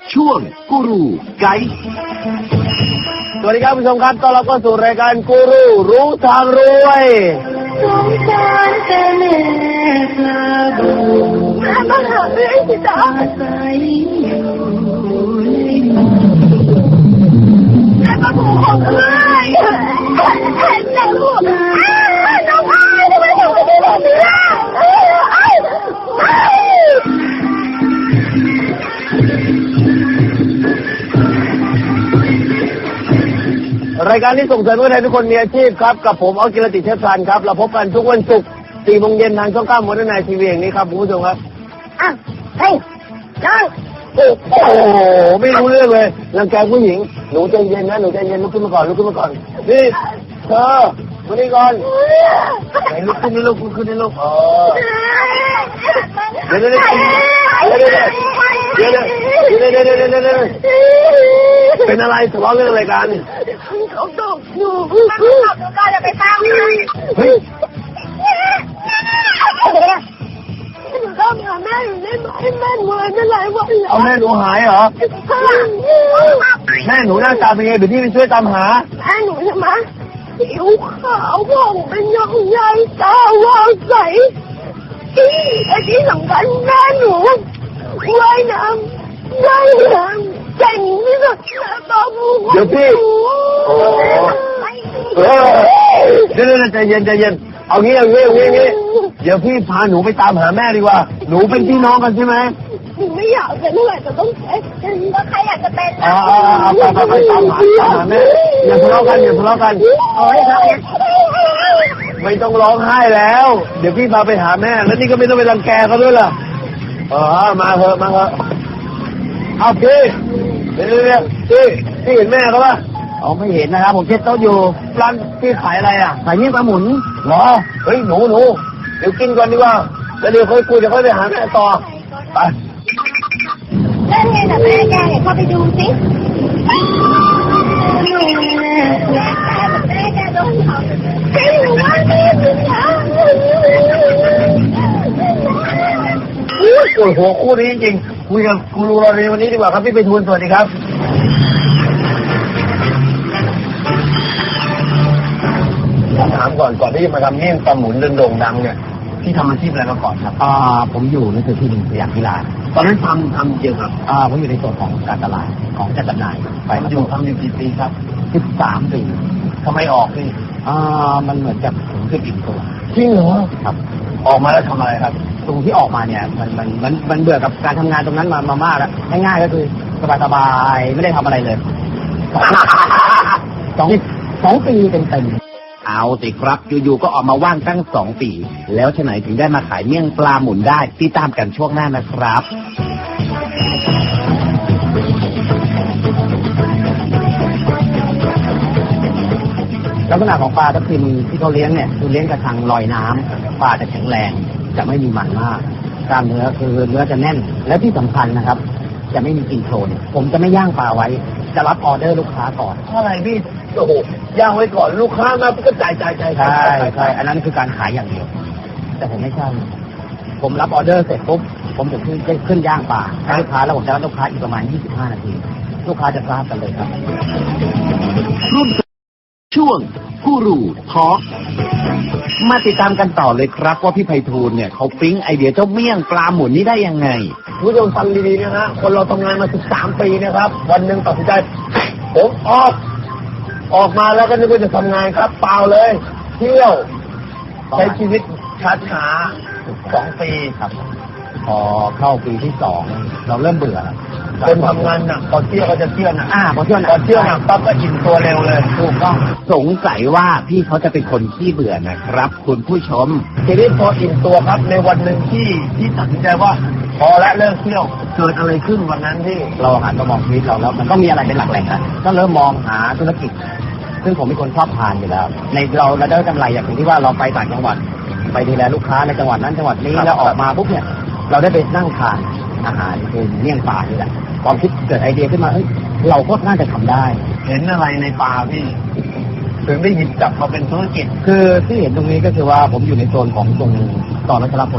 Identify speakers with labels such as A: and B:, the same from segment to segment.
A: ช่วงกูรูไกด์
B: สวัสดีครับผู้ชมครับต้อนรับเข้าสู่รายการกูรูรู้ทางรวย
C: สงสารแต่แม่พระบุตรมาหาแม่ที่ตาใสอยู่แม่พระบุตรของเอ้ยแม่ลูกน้องอ้ายทำไมถึงไม่ได้แบบนี้ล่ะ
B: รายการที่ส่งเสริมให้ทุกคนมีอาชีพครับกับผมออกิรติเทพสันครับเราพบกันทุกวันศุกร์ 4 โมงเย็นทางช่อง 9 มดนายทีวีอย่างนี้ครับคุณผู้ชมครับ
C: เฮ้ยน้อง
B: โอ้โหไม่รู้เรื่องเลยรังแกผู้หญิงหนูใจเย็นนะหนูใจเย็นลุกขึ้นมาก่อนนี่เธอมานี่ก่อนไหนลุกขึ้นนี่ลุกขึ้นนี่ลุกเดี๋ยวเป็นอะไรทะเลาะเรื่องอะไรกัน
C: เขาตกหนูก็จะไปตาม
B: เฮ้ย
C: หนูก็หาแม่อยู่ได้ไหมแม่หนูหายไปหลายวันแล้ว
B: เอาแม่หนูหายเหรอแม่หนูหน้าตาเป็นไงเดี๋ยวพี่ไปช่วยตามหา
C: แม่หนูใช่ไหมผิวขาวผ่องเป็นยองใหญ่ตาวาวใสที่สำคัญแม่หนูว่ายน้ำเก่งที่สุดแล้วก็
B: เดี๋ยวพี่เดี๋ยวใจเย็นเอางี้เดี๋ยวพี่พาหนูไปตามหาแม่ดีกว่าหนูเป็นพี่น้องกันใช่ไหม
C: หนูไม่อยากเป็นอะไรแต่ต้องเป็นก็ใครอยากจะเป็น
B: ไปตามหาแม่อย่าทะเลาะกัน
C: โอ้ย
B: ไม่ต้องร้องไห้แล้วเดี๋ยวพี่พาไปหาแม่แล้วนี่ก็ไม่ต้องไปรังแกเขาด้วยล่ะมาเถอะเอาพี่เดี๋ยวพี่เห็นแม่เขาป่ะไม่เห็นนะครับผมเช็ดโต๊ะอยู่ร้านพี่ขายอะไรอ่ะขายเมี่ยงปลาหมุนเหรอเฮ้ยหนูเดี๋ยวกินก่อนดีกว่าแล้วเดี๋ยวค่อยคุยเดี๋ยวค่อยไปหาแม่ต่อไป
C: เล่นไงแต่แม่แกเนี่ยเข้าไปดูสิแม่แกโดนเขาหนูว่าแม่เป็น
B: ปวดหัวคู่นี้จริงคุยกับกูรูเราในวันนี้ดีกว่าครับพี่ไปทูลสวัสดีครับถามก่อนที่จะมาทำเมี่ยงปลาหมุนโด่งดังเนี่ยพี่ทำอาชีพอะไรมาก่อนครับ
A: ผมอยู่ในส่วนที่หนึ่งสยามกีฬา
B: ตอนนั้นทำเกี่ยวกับ
A: ผมอยู่ในส่วนของการตลาดของจัดจำหน่าย
B: ไปทำอยู่กี่ปีครับ
A: 13 ปี
B: ทำไมออกพี่
A: มันเหมือนกับผมคืออิ่มตัว
B: จริงเหรอ
A: ครับ
B: ออกมาแล้วทำอะไรครับ
A: ตรงที่ออกมาเนี่ยมันเบื่อกับการทำงานตรงนั้นมากแล้วง่ายๆก็คือสบายๆไม่ได้ทำอะไรเลย2 ปีเต็ม
D: เอาสิครับอยู่ๆก็ออกมาว่างตั้ง2 ปีแล้วฉะไหนถึงได้มาขายเมี่ยงปลาหมุนได้ติดตามกันช่วงหน้านะครับ
A: ลักษณะของปลาทับทิมที่เขาเลี้ยงเนี่ยคือเลี้ยงกระชังลอยน้ำปลาจะแข็งแรงจะไม่มีมันมากกล้ามเนื้อคือเนื้อจะแน่นและที่สำคัญนะครับจะไม่มีกลิ่นโคลนผมจะไม่ย่างปลาไว้จะรับออเดอร์ลูกค้าก่อน
B: อะไรพี่โอ้โหย่างไว้ก่อนลูกค้ามาก็จ่าย
A: ใช่อันนั้นคือการขายอย่างเดียวแต่ผมไม่ใช่ผมรับออเดอร์เสร็จปุ๊บผมถึงขึ้นย่างปลาให้ลูกค้าแล้วผมจะรับลูกค้าอีกประมาณ25 นาทีลูกค้าจะทราบกันเลยครับ
D: รุ่นช่วงกูรูทอล์กมาติดตามกันต่อเลยครับว่าพี่ไพฑูรย์เนี่ยเขาปิ๊งไอเดียเจ้าเมี่ยงปลาหมุนนี้ได้ยังไง
B: ผู้ชมฟังดีๆนะฮะคนเราทำงานมา13 ปีนะครับวันหนึ่งตัดสินใจผมออกมาแล้วก็นึกว่าจะทำงานครับเปล่าเลยเที่ยวใช้ชีวิตช้าๆ2 ปี
A: ครับพอเข้าปีที่2เราเริ่มเบื่อ
B: คนทำงานหนักพอเที่ยวก็จะเที่ยวหนัก
A: พอเที่ยวห
B: นักปั๊บก็อิ่มตัวเร็วเลย
A: ถูกต้อง
D: สงสัยว่าพี่เขาจะเป็นคนขี้เบื่อนะครับคุณผู้ชม
B: ทีนี้พออิ่มตัวครับในวันหนึ่งที่ตัดสินใจว่าพอและเลิกเที่ยวเกิดอะไรขึ้นวันนั้นที่
A: เราหันมามองชีวิตเราแล้วมันต้องมีอะไรเป็นหลักแหล่งนะก็เริ่มมองหาธุรกิจซึ่งผมเป็นคนชอบทานอยู่แล้วในเราได้กำไรอย่างที่ว่าเราไปต่างจังหวัดไปดูแลลูกค้าในจังหวัดนั้นจังหวัดนี้แล้วออกมาปุ๊บเนี่ยเราได้ไปนั่งทานอาหารคือเมี่ยงปลานี่แหละความคิดเกิดไอเดียขึ้นมาเราก็น่าจะทำได้
B: เห็นอะไรในปลาพี่ถึงได้หยิบจับมาเป็นธุรกิจ
A: คือที่เห็นตรงนี้ก็คือว่าผมอยู่ในโซนของตรงตอนรัชรพล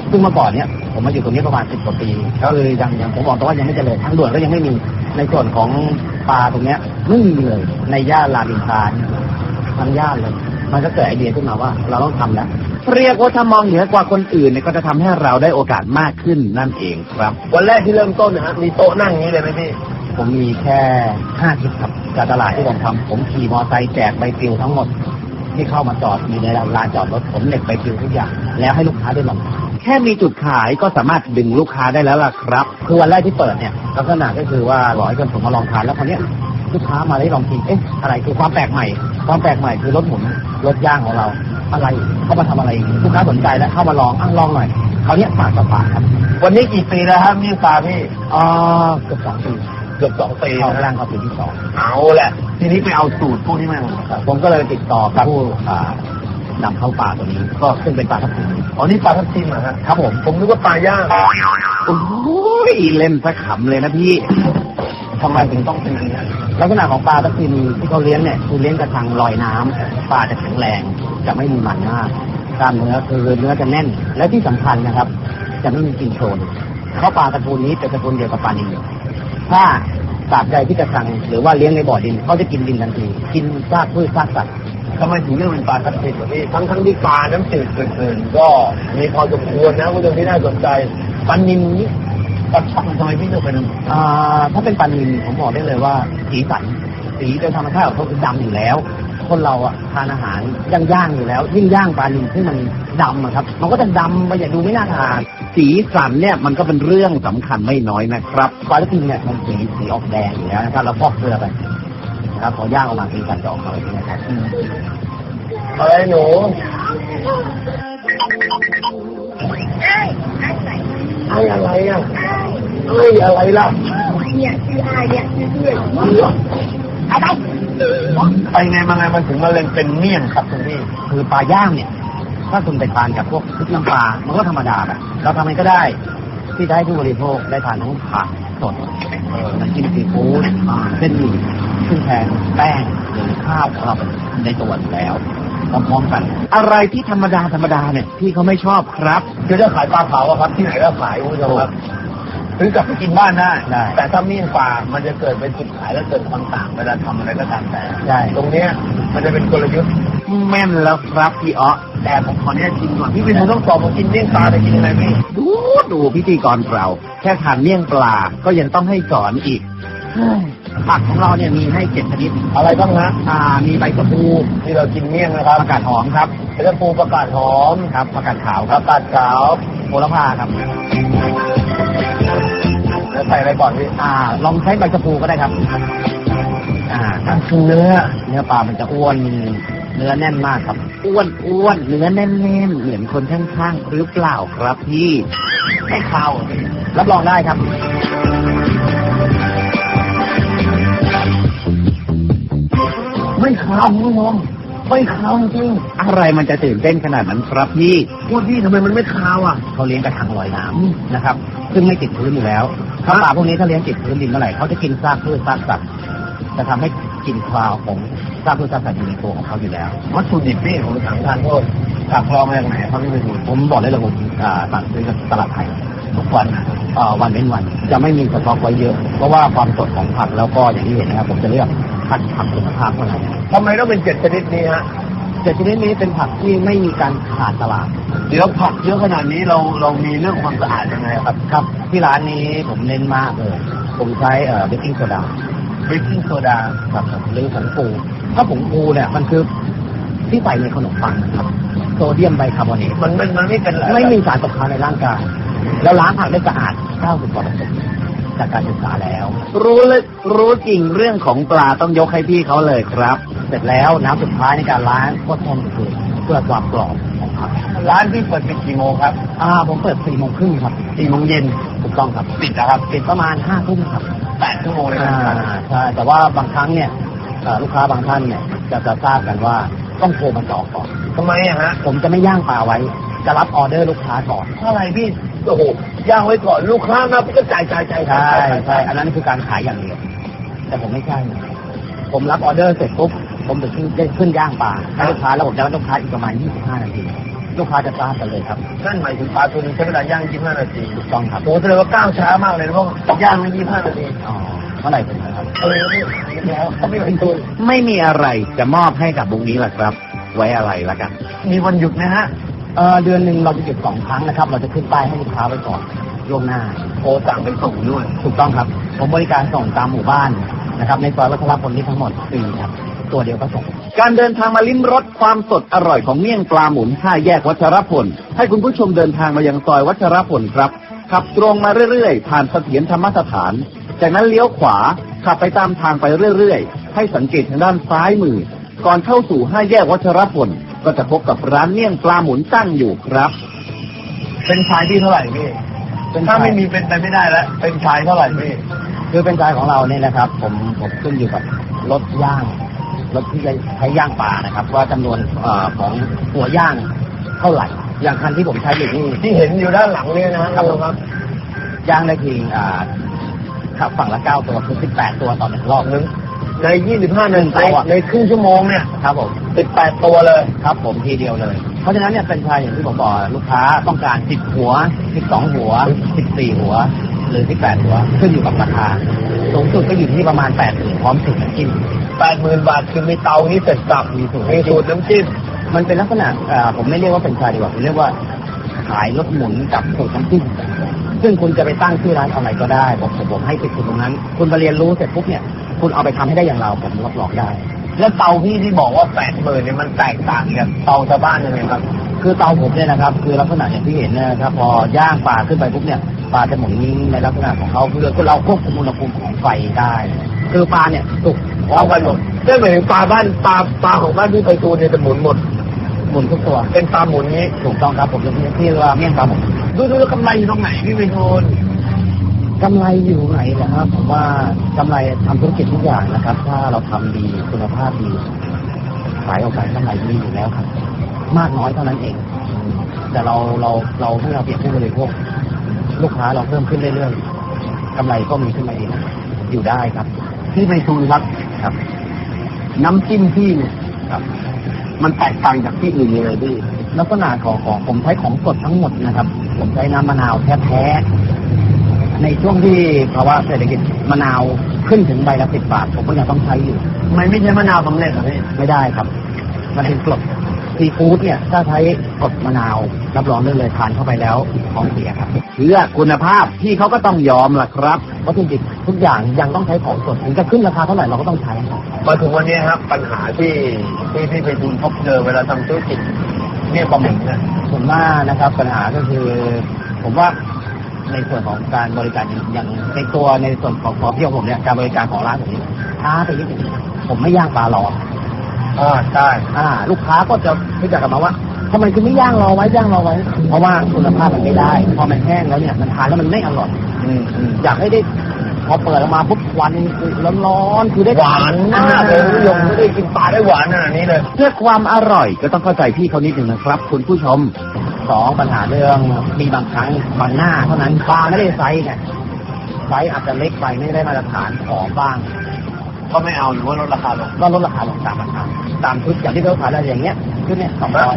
A: ซึ่งเมื่อก่อนเนี่ยผมมาอยู่ตรงนี้ประมาณ10 กว่าปีก็คือยังผมบอกตรงว่ายังไม่เจริญทางด่วนก็ยังไม่มีในส่วนของปลาตรงเนี้ยไม่มีเลยในย่านรามอินทราทั้งย่านเลยมันก็เกิดไอเดียขึ้นมาว่าเราต้องทำแล้ว
D: เรียกว่าถ้ามองเหนือกว่าคนอื่นเนี่ยก็จะทำให้เราได้โอกาสมากขึ้นนั่นเองครับ
B: วันแรกที่เริ่มต้นนะฮะมีโต๊ะนั่งอย่างนี้เลยไหมพี่
A: ผมมีแค่5 ทิศครับจากตลาดที่ผมทำผมขี่มอไซค์แจกใบปลิวทั้งหมดที่เข้ามาจอดอยู่ในลานจอดรถผมเหน็บใบปลิวทุกอย่างแล้วให้ลูกค้าได้ลอง
D: แค่มีจุดขายก็สามารถดึงลูกค้าได้แล้วล่ะครับ
A: คือวันแรกที่เปิดเนี่ยลักษณะก็คือว่าบอกให้คนผมมาลองทานแล้วคราวเนี้ยลูกค้ามาได้ลองกินอะไรคือความแปลกใหม่คือรถหมุนรถย่างของเราอะไรเข้ามาทำอะไรลูกค้าสนใจแล้วเข้ามาลองลองหน่อยคราวเนี้ยปากต่อปากครับ
B: วันนี้กี่ปีแล้วครับนี่ปลาพี่
A: เกือบ2 ปี
B: เกือบ2 ปี
A: เข้า
B: นะ
A: ร่างเข้าปีที่
B: เอาแหละ ทีนี้ไปเอาสูตรพวกนี้มา
A: 2ผมก็เลยติดต่อกับผู้นำเข้าปลาตัวนี้ก็ซึ่งเป็นปลาทับทิม
B: อ๋อนี่ปลาทับทิมเหรอฮะ
A: ครับผม
B: ผมนึกว่าปลาย่าง
D: โอ้ยเล่นสักขำเลยนะพี่
A: ทำไมถึงต้องเป็นอย่างนี้ลักษณะของปลาทับทิมที่เขาเลี้ยงเนี่ยคือเลี้ยงกระชังลอยน้ำปลาจะแข็งแรงจะไม่มีมันมากกล้ามเนื้อคือเนื้อจะแน่น และที่สำคัญนะครับ จะไม่มีกลิ่นโคลนเพราะปลาตระกูลนี้เป็นตระกูลเดียวกับปลานิลถ้าตราบใดที่กระชังหรือว่าเลี้ยงในบ่อดินเขาจะกินดินทันทีกินซากพืชซากสัตว์
B: ทำไมถึงเรียกเป็นปลาทับทิมเหรอพี่ทั้งที่ปลาน้ำจืดอื่นๆก็มีพอสมควรนะคุณผู้ชมที่น่าสนใจปลานิลนี่ปลาช่อนทำไมพี่เลือกเป็น
A: ถ้าเป็นปลานิลผมบอกได้เลยว่าสีสันสีโดยธรรมชาติของเขาคือดำอยู่แล้ว คนเราอะทานอาหารย่างอยู่แล้วยิ่งย่างปลานิลที่มันดำอะครับมันก็จะดำไปอย่าดูไม่น่าทาน
D: สีสันเนี่ยมันก็เป็นเรื่องสำคัญไม่น้อยนะครับ
A: ปลาทับทิมเนี่ยมันสีออกแดงอยู่แล้วนะครับเราพอกเกลือไปนะครับพอย่างออกมาสีสันจะออกมาแบบนี้นะครับ
B: อะไรหนูไอ้อะไรอ่ะไอ้อะไรล่ะ
C: เนี่ยชื่ออะไรเนี่ยชื่อเพื่อนอะไร
B: ไปไงมาไงมันถึงมาเล่นเป็นเมี่ยงครับคุณพี่
A: คือปลาย่างเนี่ย ถ้าคุณไปทานกับพวกพริกน้ำปลามันก็ธรรมดาแบบเราทำไงก็ได้ที่จะให้ผู้บริโภคได้ทานทั้งผักสดน้ำจิ้มซีฟู้ดเส้นหมี่ซึ่งแทนแป้งหรือข้าวของเราในตัวอยู่แล้วพร้อมๆกัน
D: อะไรที่ธรรมดาเนี่ยพี่เขาไม่ชอบครับ
B: คือถ้าขายปลาเผาอะครับที่ไหนก็ขายคุณผู้ชมครับซื้อกลับไปกินบ้านได้
A: ได้
B: แต่ถ้าเมี่ยงปลามันจะเกิดเป็นจุดขายและเกิดความต่างเวลาทำอะไรก็ตามแต่
A: ใช่
B: ตรงเนี้ยมันจะเป็นกลยุทธ์
D: แม่นแล้วครับพี่อ๊อ
B: แต่ผมขออนุญาตกินก่อนพี่เป็นคนต้องสอบมากินเมี่ยงปลาจะกินยังไงพี่
D: ดูพิธีกรเรา แค่ทานเมี่ยงปลาก็ยังต้องให้สอนอีก
A: ผักของเราเนี่ยมีให้7 ชนิด
B: อะไรบ้างฮะ
A: มีใบกระพู
B: ที่เรากินเมี่ยงนะครับ
A: ผักกาดหอมครับ
B: เป็นปูประกาศหอม
A: ครับผักกาดขาวค
B: ป
A: รับ
B: ระกาศขาว
A: โหระพาครับ
B: แล้วใส่อะไรก่อนพี่
A: ลองใช้ใบกระพูก็ได้ครับนั่นคือเนื้อปลามันจะอ้วนเนื้อแน่นมากครับ
D: อ้วนเนื้อแน่นๆเหมือนคนข้างๆหรือเปล่าครับพี่
A: ไม่คาวรับรองได้ครับ
B: ไม่ขาวคุณผู้ชมไม่ขาวจริง
D: อะไรมันจะตื่นเต้นขนาดนั้นครับพี่
B: พูดพี่ทำไมมันไม่ขาวอ่ะ
A: เขาเลี้ยงกระชังลอยน้ำนะครับ ซึ่งไม่ติดพื้นอยู่แล้วถ้าปลาพวกนี้ถ้าเลี้ยงติดพื้นดินเมื่อไหร่เขาจะกินซากพืชซากสัตว์จะทำให้กลิ่นคาวของซากพืชซากสัตว์อยู่ในตัวของเขาอยู่แล้ว
B: วัตถุดิบพี่ผมถามทานโทษผักลองมาจากไหนครับพี่ไปดู
A: ผมบอกได้เลยผมสั่งซื้อกับตลาดไทยทุกวันวันเว้นวันจะไม่มีสต็อกไว้เยอะ เพราะว่าความสดของผักแล้วก็อย่างที่เห็นนะครับผมจะเลือกคัดผักคุณภาพเท่านั้น
B: ทำไมต้องเป็น7 ชนิดนี้ฮะ
A: แต่ชนิดนี้เป็นผักที่ไม่มีการขาดตลาด
B: เดี๋ยวผักเยอะขนาดนี้เรามีเรื่องความสะอาดยังไงครับ
A: ครับที่ร้านนี้ผมเน้นมากเลย ผมใช้เบกกิ้งโซดา
B: เบกกิ้งโซดา
A: ครับหรือผงฟูถ้าผงฟูเนี่ยมันคือที่ใส่ในขนมปังครับโซเดียมไบคาร์บอเนต
B: มันไม่เป็นไร
A: ไม่มีสารตกค้างในร่างกาย แล้วล้างผักได้สะอาด 90 กว่า%จากการศึกษาแล้ว
D: รู้จริงเรื่องของปลาต้องยกให้พี่เขาเลยครับ
A: เสร็จแล้วน้ำสุดท้ายในการล้างก็ต้มคือเพื่อความกรอบของผัก
B: ร้านพี่เปิดปิดกี่โมงครับ
A: ผมเปิด 4 โมงครึ่งครับ
B: 4 โมงเย็น
A: ถูกต้องครับ
B: ปิดนะครับ
A: ปิดประมาณ 5 ทุ่มครับ
B: 8 ชั่วโมงเลยนะ
A: ใช่ แต่ว่าบางครั้งเนี่ยลูกค้าบางท่านเนี่ยจะทราบกันว่าต้องโทรมาจองก่อน
B: ทำไมอะฮะ
A: ผมจะไม่ย่างปลาไว้ จะรับออเดอร์ลูกค้าก่อน
B: เพราะอะไรพี่โอ้โหย่างไว้ก่อนลูกค้ามาพี่ก็จ่าย
A: ใช่อันนั้นคือการขายอย่างเดียว แต่ผมไม่ใช่ ผมรับออเดอร์เสร็จปุ๊บ ผมจะได้ขึ้นย่างปลาให้ลูกค้าแล้วผมจะรับลูกค้าอีกประมาณ 25 นาทีลูกค้าจะทราบกันเลยครับ
B: นั่นหมายถึงปลาตัวนึงใช้เวลาย่าง25 นาที
A: ถูกต้องครับ
B: โอ้แสดงว่าก้าวช้ามากเลยนะเพราะย่างไม่25 นาที
A: อ๋อเมื่อไหร่เป็นนะครับ
B: แล้วเขาไม่เป็นตัว
D: ไม่มีอะไรจะมอบให้กับบุงนี้แหละครับ ไว้อะไรละกัน
B: มีวันหยุดนะฮะ
A: เดือนหนึ่งเราจะหยุด2 ครั้งนะครับ เราจะขึ้นป้ายให้ลูกค้าไว้ก่อนล่วงหน้า
B: โทรสั่งไปส่งด้วย
A: ถูกต้องครับ ผมบริการส่งตามหมู่บ้านนะครับ ในซอยวัชรพลนี้ทั้งหมดฟรีครับ ตัวเดียวก็ส่ง
D: การเดินทางมาลิ้มรสความสดอร่อยของเมี่ยงปลาหมุน5 แยกวัชรพลให้คุณผู้ชมเดินทางมายังซอยวัชรพลครับขับตรงมาเรื่อยๆผ่านเสถียรธรรมสถานจากนั้นเลี้ยวขวาขับไปตามทางไปเรื่อยๆให้สังเกตทางด้านซ้ายมือก่อนเข้าสู่5 แยกวัชรพลก็จะพบกับร้านเมี่ยงปลาหมุนตั้งอยู่ครับ
B: เป็นชายที่เท่าไหร่พี่ ถ้าไม่มีเป็นไปไม่ได้แล้ว เป็นชายเท่าไหร่พี่
A: คือเป็นใจของเราเนี่ยนะครับ ผมขึ้นอยู่กับรถย่างรถที่จะใช้ย่างปลานะครับ ว่าจำนวนของหัวย่างเท่าไหร่ อย่างคันที่ผมใช้อยู่นี่
B: ที่เห็นอยู่ด้านหลังเนี่ยนะครับครับ
A: ย่างได้ทีขับฝั่งละ9 ตัวคือ18 ตัวต่อ1 รอบนึง
B: ใน25 นาทีในครึ่งชั่วโมงเนี่ย
A: ครับผม
B: 18 ตัวเลย
A: ครับผมทีเดียวเลย เพราะฉะนั้นเนี่ยเป็นชายอย่างที่ผมบอกลูกค้าต้องการ10 หัว12 หัว14 หัวหรือ18 หัวขึ้นอยู่กับราคาสูงสุดก็อยู่ที่ประมาณ80,000พร้อมสูตรน้ำจิ้ม
B: 80,000 บาทคือมีเตานี้เสร็จสับมีสูตรน้ำจิ้ม
A: มันเป็นลักษณะผมไม่เรียกว่าเป็นชายดีกว่าผมเรียกว่าขายรถหมุนกับสูตรน้ำจิ้มซึ่งคุณจะไปตั้งชื่อร้านอะไรก็ได้ผมให้ติดคุณตรงนั้น คุณมาเรียนรู้เสร็จปุ๊บเนี่ยคุณเอาไปทำให้ได้อย่างเราผมรับรองได้
B: แล้วเตาพี่ที่บอกว่า80,000เนี่ยมันแตกต่างกับเตาชาวบ้านยังไงครับ
A: คือเตาผมเนี่ยนะครับ คือลักษณะอย่างที่เห็นนะครับพอย่างปลาขึ้นไปปุ๊บเนี่ยปลาจะหมุนในลักษณะของเขาคือเราควบคุมอุณหภูมิของไฟได้ คือปลาเนี่ยสุก
B: เอาไปหมดได้หมายถึงปลาของบ้านพี่ไปตูนเนี่ยจะหมุนหมด
A: หมุนทุกตัว
B: เป็นปลาหมุนนี้
A: ถูกต้องครับผมจะที่เรียกว่าเมี่ยงปลาหมุน
B: ดูแล้วกำไรอยู่ตรงไหนพี่ไปตูน
A: กำไรอยู่ไหนนะครับผมว่ากำไรทำธุรกิจทุกอย่างนะครับ ถ้าเราทำดีคุณภาพดีขายออกไปกำไรมีอยู่แล้วครับ มากน้อยเท่านั้นเอง แต่เราให้เราเปรียบผู้บริโภคลูกค้าเราเพิ่มขึ้นเรื่อยๆกำไรก็มีขึ้นมาเองอยู่ได้ครับ
B: พี่ไปตูนครับ
A: ครับ
B: น้ำจิ้มพี่เนี่ย
A: ครับ
B: มันแตกต่างจากที่อื่นยังไงพี่
A: ลักษณะของผมใช้ของสดทั้งหมดนะครับ ผมใช้น้ำมะนาวแท้ๆในช่วงที่ภาวะเศรษฐกิจมะนาวขึ้นถึงใบละ10 บาทผมก็ยังต้องใช้อยู่
B: มันไม่ใช่มะนาวสำเร็จเหรอพี่
A: ไม่ได้ครับ มันเป็นกรดซีฟู้ดเนี่ย ถ้าใช้กรดมะนาวรับรองได้เลยทานเข้าไปแล้วท้องเสียครับ
D: เพื่อคุณภาพที่เขาก็ต้องยอมล่ะครับ
A: วัตถุดิบทุกอย่างยังต้องใช้ของสดถึงจะขึ้นราคาเท่าไหร่เราก็ต้องใช้
B: มาถึงวันนี้ครับปัญหาที่พี่ไปตูนพบเจอเวลาทำธุรกิจเนี่ยปลาหมึกเนี่ย
A: ส่วนมากนะครับปัญหาก็คือ ผมว่าในส่วนของการบริการอย่างในส่วนของที่ของผมเนี่ยการบริการของร้านผมนี่ช้าไปนิดนึงผมไม่ย่างปลารอ
B: ใช่
A: ลูกค้าก็จะรู้จักกันมาว่าทำไมคุณไม่ย่างรอไว้เพราะว่าคุณภาพมันไม่ได้พอมันแห้งแล้วเนี่ยมันทานแล้วมันไม่อร่อย อยากให้ได้พอเปิดออกมาปุ๊บควันร้อนๆคือได้
B: หวานมากเลยนิยมไม่ได้กินปลาได้หวานขนาดนี้เลย
D: เพื่อความอร่อยก็ต้องเข้าใจพี่เขานิดหนึ่งนะครับ คุณผู้ชม
A: 2ปัญหาเรื่องมีบางครั้งบางหน้าเท่านั้นปลาไม่ได้ไซส์เนี่ยไซส์อาจจะเล็กไปไม่ได้มาตรฐานของบ้าง
B: ก็ไม่เอาหรือว่าลดราคาลง
A: ก็ลดราคาลงตามราคาตามชุดอย่างที่เราขายอะไรอย่างเงี้ยชุดเนี่ย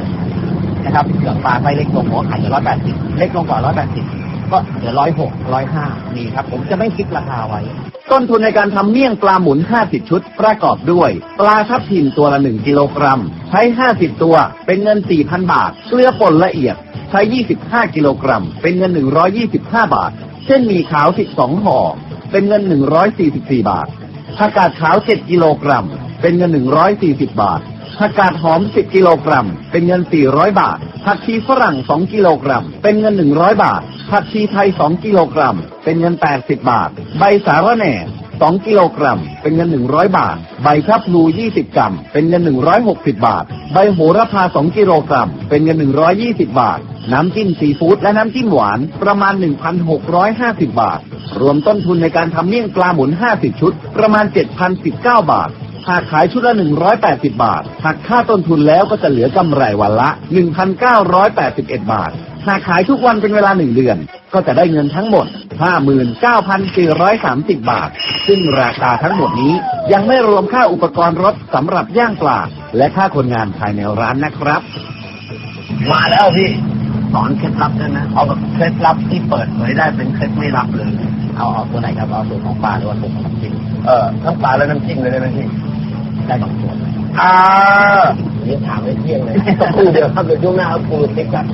A: 200นะครับเหลืองปลาไซส์เล็กลงผมก็ขายอยู่180เล็กลงกว่า180ก็เหลือ106 105นี่ครับผมจะไม่คิดราคาไว้
D: ต้นทุนในการทำเมี่ยงปลาหมุน 50 ชุด ประกอบด้วย ปลาทับทิมตัวละ 1 กิโลกรัม ใช้ 50 ตัว เป็นเงิน 4,000 บาท เกลือป่นละเอียด ใช้ 25 กิโลกรัม เป็นเงิน 125 บาท เส้นหมี่ขาว 12 ห่อ เป็นเงิน 144 บาท ผักกาดขาว 7 กิโลกรัม เป็นเงิน 140 บาท ผักกาดหอม 10 กิโลกรัม เป็นเงิน 400 บาท ผักชีฝรั่ง 2 กิโลกรัม เป็นเงิน 100 บาท ผักชีไทย 2 กิโลกรัม เป็นเงิน 80 บาท ใบสาระแหน่ 2 กิโลกรัม เป็นเงิน 100 บาท ใบชะพลู 20 กรัม เป็นเงิน 160 บาท ใบโหระพา 2 กิโลกรัม เป็นเงิน 120 บาท น้ำจิ้มซีฟู้ดและน้ำจิ้มหวาน ประมาณ 1,650 บาท รวมต้นทุนในการทำเมี่ยงปลาหมุน 50 ชุด ประมาณ 7,019 บาท หากขายชุดละ 180 บาท หักค่าต้นทุนแล้วก็จะเหลือกำไรวันละ 1,981 บาท หากขายทุกวันเป็นเวลา1 เดือน ก็จะได้เงินทั้งหมด 59,430 บาท ซึ่งราคาทั้งหมดนี้ยังไม่รวมค่าอุปกรณ์รถสำหรับย่างปลาและค่าคนงานภายในร้านนะครับ
B: มาแล้วพี่สอนเคล็ดลับได้ไหมเอาแบบเคล็ดลับที่เปิดเผยได้เป็นเคล็ดไม่ลับเลย
A: เอาตัวไหนครับเอาสูตรของปลาหรือว่าสูตรของน้ำจิ้ม
B: ทั้งปลาและน้ำจิ้มเลยได้ไหมพี่
A: ได้สองส่วน
B: นี่ถามไม่เที่ยงเลยสักครู่เดียวครับเดี๋ยวช่วงหน้าเอาปูติ๊กกัน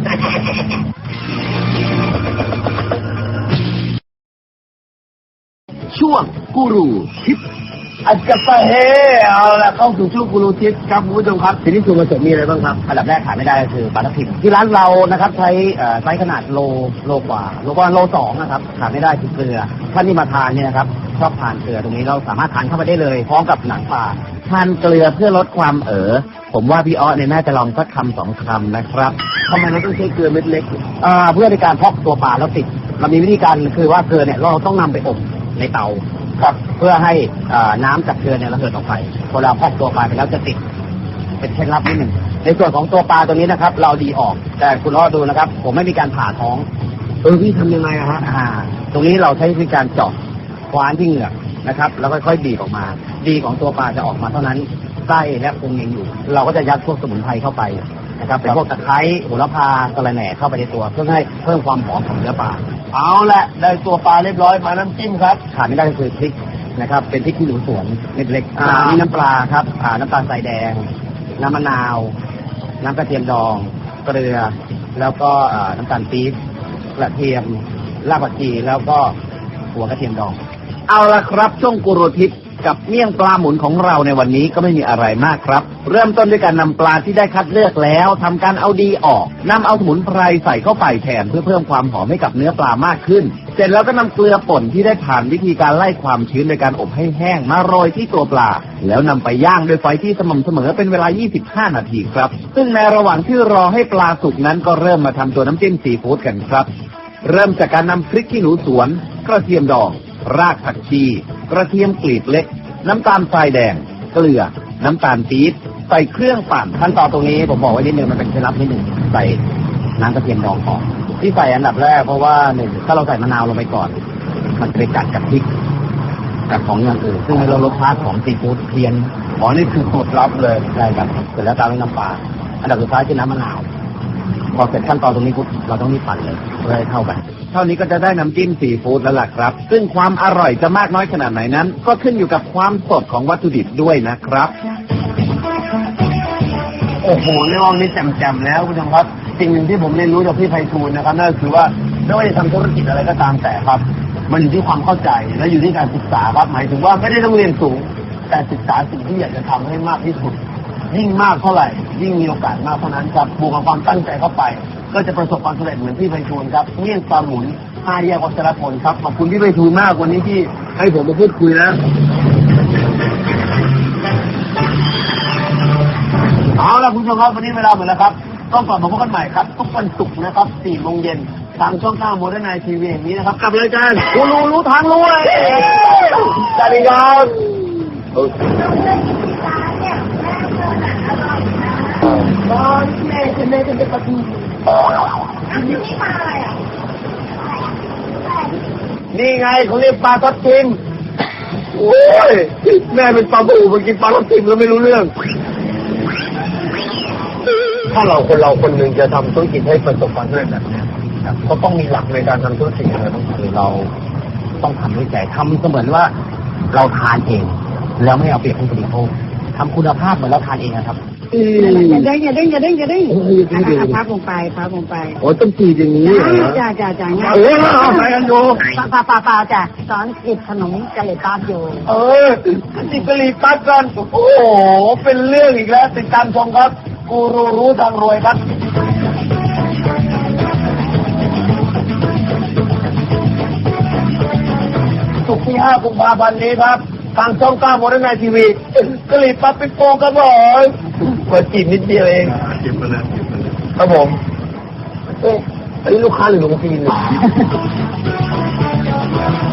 D: ช่วงกูรูทิป
B: อาจจะไปเฮเอาละเข้าสู่ช่วงกูรูทิปครับคุณผู้ชมครับทีนี้ส่วนผสมมีอะไรบ้างครับ
A: อันดับแรกขาดไม่ได้ก็คือปลาทับทิมที่ร้านเรานะครับใช้ไซส์ขนาดโลกว่าโลสองนะครับขาดไม่ได้คือเกลือท่านที่มาทานเนี่ยนะครับชอบทานเกลือตรงนี้เราสามารถทานเข้าไปได้เลยพร้อมกับหนังปลา
D: ทานเกลือเพื่อลดความผมว่าพี่อ้อเนี่ยน่าจะลองสักคำสองคำนะครับ
B: ทำไมเราต้องใช้เกลือเม็ดเล็ก
A: เพื่อในการพอกตัวปลาแล้วติดเรามีวิธีการคือว่าเกลือเนี่ยเราต้องนำไปอบในเตาครับเพื่อให้น้ำจากเกลือเนี่ยระเหยออกไปพอเราพอกตัวปลาไปแล้วจะติดเป็นเคล็ดลับนิดหนึ่งในส่วนของตัวปลาตัวนี้นะครับ เราดีออกแต่คุณอ้อดูนะครับ ผมไม่มีการผ่าท้อง
B: พี่ทำยังไงอะฮะ
A: ตรงนี้เราใช้วิธีการเจาะคว้านที่เหงือกนะครับแล้วค่อยๆบีบออกมาดีของตัวปลาจะออกมาเท่านั้นไส้และพุงยังอยู่ เราก็จะยัดพวกสมุนไพรเข้าไปนะครับเป็นพวกตะไคร้โหระพากระแหน่เข้าไปในตัวเพื่อให้เพิ่มความหอมของเนื้อปลา
B: เอาละได้ตัวปลาเรียบร้อยมาน้ำจิ้มครับ
A: ขาดไม่ได้ก็คือพริกนะครับเป็นพริกขี้หนูสวนเม็ดเล็กนี่น้ำปลาครับน้ำตาลทรายแดง น้ำมะนาว น้ำกระเทียมดองเกลือแล้วก็น้ำตาลปี๊บกระเทียมรากผักชีแล้วก็หัวกระเทียมดอง
D: เอาละครับช่วงกูรูทิปกับเมี่ยงปลาหมุนของเราในวันนี้ก็ไม่มีอะไรมากครับ เริ่มต้นด้วยการนำปลาที่ได้คัดเลือกแล้วทำการเอาดีออกนำเอาสมุนไพรใส่เข้าไปแทนเพื่อเพิ่มความหอมให้กับเนื้อปลามากขึ้น เสร็จแล้วก็นำเกลือป่นที่ได้ผ่านวิธีการไล่ความชื้นโดยการอบให้แห้งมาโรยที่ตัวปลาแล้วนำไปย่างด้วยไฟที่สม่ำเสมอเป็นเวลา 25 นาทีครับซึ่งในระหว่างที่รอให้ปลาสุกนั้นก็เริ่มมาทำตัวน้ำจิ้มซีฟู้ดกันครับเริ่มจากการนำพริกขี้หนูสวนกระเทียมดองรากผักชีกระเทียมกลีบเล็กน้ำตาลทรายแดงเกลือน้ำตาลปี๊บใส่เครื่องปั่น
A: ขั้นตอนตรงนี้ผมบอกไว้นิดนึงมันเป็นเคล็ดลับนิดนึงใส่น้ำกระเทียมดองก่อนที่ใส่อันดับแรกเพราะว่าหนึ่งถ้าเราใส่มะนาวลงไปก่อน มันจะไปกัดกับพริกกับของอย่างอื่นซึ่งให้เรารสชาติของซีฟู้ดเพี้ยน
B: นี่คือสูตรลับเลย
A: ได้ครับเสร็จแล้วตามด้วยน้ำปลาอันดับสุดท้ายคือน้ำมะนาวพอเสร็จขั้นตอนตรงนี้ปุ๊บเราต้องรีบปั่นเลยเพื่อให้เข้ากัน
D: เท่านี้ก็จะได้น้ำจิ้มซีฟู้ดแล้วล่ะครับซึ่งความอร่อยจะมากน้อยขนาดไหนนั้น ก็ขึ้นอยู่กับความสดของวัตถุดิบด้วยนะครับ
B: โอ้โหเรื่องนี้แจ่มๆแล้วคุณผู้ชมครับสิ่งหนึ่งที่ผมเรียนรู้จากพี่ไพฑูรย์นะครับนั่นก็คือว่าไม่ว่าจะทำธุรกิจอะไรก็ตามแต่ครับ มันอยู่ที่ความเข้าใจและอยู่ที่การศึกษาครับหมายถึงว่าไม่ได้ต้องเรียนสูง แต่ศึกษาสิ่งที่อยากจะทำให้มากที่สุด ยิ่งมากเท่าไหร่ยิ่งมีโอกาสมากเท่านั้นครับบวกกับความตั้งใจเข้าไป ก็จะประสบความสำเร็จเหมือนพี่ไพฑูรย์ครับเมี่ยงปลาหมุน5 แยกวัชรพลครับขอบคุณพี่ไพฑูรย์มากวันนี้ที่ให้ผมมาพูดคุยนะเอาล่ะคุณผู้ชมครับวันนี้เวลาหมดแล้วครับต้องกลับมาพบกันใหม่ครับทุกวันศุกร์นะครับ 4 โมงเย็นทางช่อง 9 โมเดิร์นไนทีวีอย่างนี้นะครับกับรายการกูรู้ทางรวยสวัสดีครับ
C: ตอนแม่ฉันเลยจะไปประตูอันนี้มาอะไรอ่ะ
B: นี่ไงเขาเรียกปลาทับทิมโอ้ยแม่เป็นปลาบูมากินปลาทับทิมแล้วไม่รู้เรื่อง ถ้าคนเราคนหนึ่งจะทำธุรกิจให้ประสบความสำเร็จแบบนี้ก็ต้องมีหลักในการทำธุรกิจอะไรต้องคือเราต้องทำด้วยใจทำเสมือนว่าเราทานเอง แล้วไม่เอาเปรียบผู้บริโภคทำคุณภาพเหมือนเราทานเองนะครับ
C: อย่าเด้งพับลงไป
B: โอ้ต้องจีอย่างนี้เหรอ
C: จ้าง่าย
B: เอาไปกันอยู่
C: ป่าจ้ะสอนกิบขนมกะหรี่ปั๊บอยู่
B: จิบกะหรี่ปั๊บกันโอ้โหเป็นเรื่องอีกแล้วติดตามชมครับกูรู้ทางรวยครับศุกร์ที่ 5 กุมภาพันธ์นี้ครับทางช่อง 9 โมเดิร์นไนทีวีกะหรี่ปั๊บเป็นโปงครับผมเปิดจีบนิดเดียวเองจีบมาแล้วครับผมอันนี้ลูกค้าหรือลูกจีนเนี่ย